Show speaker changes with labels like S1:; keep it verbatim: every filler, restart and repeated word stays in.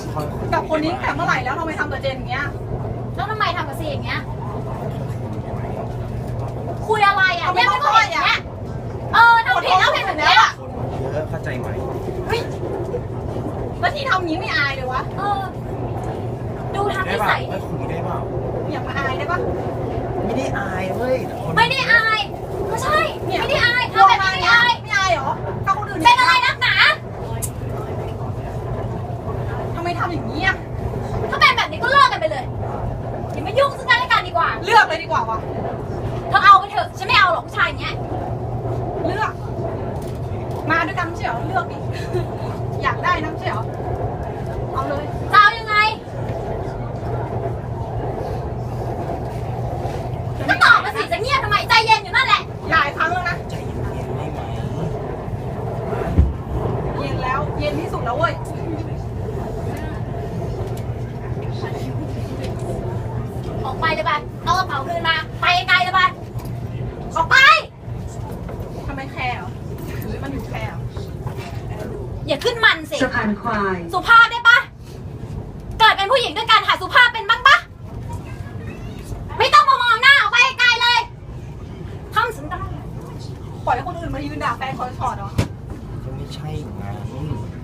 S1: กับคนนี้แต่เมื่อไหร่แล้วทำไมทำกับเจนอย่างเงี้ย
S2: แล้วทำไมทำกับซีอย่างเงี้ยคุยอะไรอ่ะเนี่ยไม่ก็เห็นอย่างเงี้ยเออทำผิดแล้วผิดแบบเนี้ย
S3: เยอะเข้าใจไหม
S1: เฮ้ยแล้วที่ทำอย่างนี้ไม่อายเลยวะ
S2: เออดูทำนิสัย
S3: ไม่คุยได้เปล่า
S1: อย่ามาอายได้ปะ
S3: ไม่ได้อายเว้ย
S2: ไม่ได้อายไม่ใช่ไม่ได้อายทำแบบนี้ไม่อาย
S1: ไม่อายเหรอถ้าคนอื่น
S2: เป็นอะไรนักหนา
S1: ทำไมทำอย่างนี้อ่ะ
S2: ถ้าเป็นแบบนี้ก็เลิกกันไปเลยอย่ามายุ่งซึ่งกันและกันดีกว่า
S1: เลือกเลยดีกว่าวะ
S2: เธอเอาไปเถอะฉันไม่เอาหรอกผู้ชายเนี้ย
S1: เลือกมาด้วยกันไม่ใช่เหรอเลือกดิอยากได้นะไม่ใช่เหรอเอาเลย
S2: จะเอายังไงก็ตอบมาสิจะเงียบทำไมใจเย็นอยู่นั่นแหละ
S1: หลายครั้งแล้วนะ
S3: ใจเย็นๆได้ไหม
S1: เย็นแล้วเย็นที่สุดแล้วเว้ย
S2: ออกไปเลยไปเอากระเป๋าคืนมาไปไกลเลยไปออกไป
S1: ทำไมแคร์เหรอหรือมันอยู่แคร์
S2: อย่าขึ้นมันสิ
S4: สะพานควาย
S2: สุภาพได้ปะเกิดเป็นผู้หญิงด้วยกันหาสุภาพเป็นบ้างปะไม่ต้องมามองหน้าออกไปไกลเลยทำสันดาน
S1: ปล่อยให้คนอื่นมายืนด่าแฟนคอยถอดเหรอ
S3: ก็ไม่ใช่ไง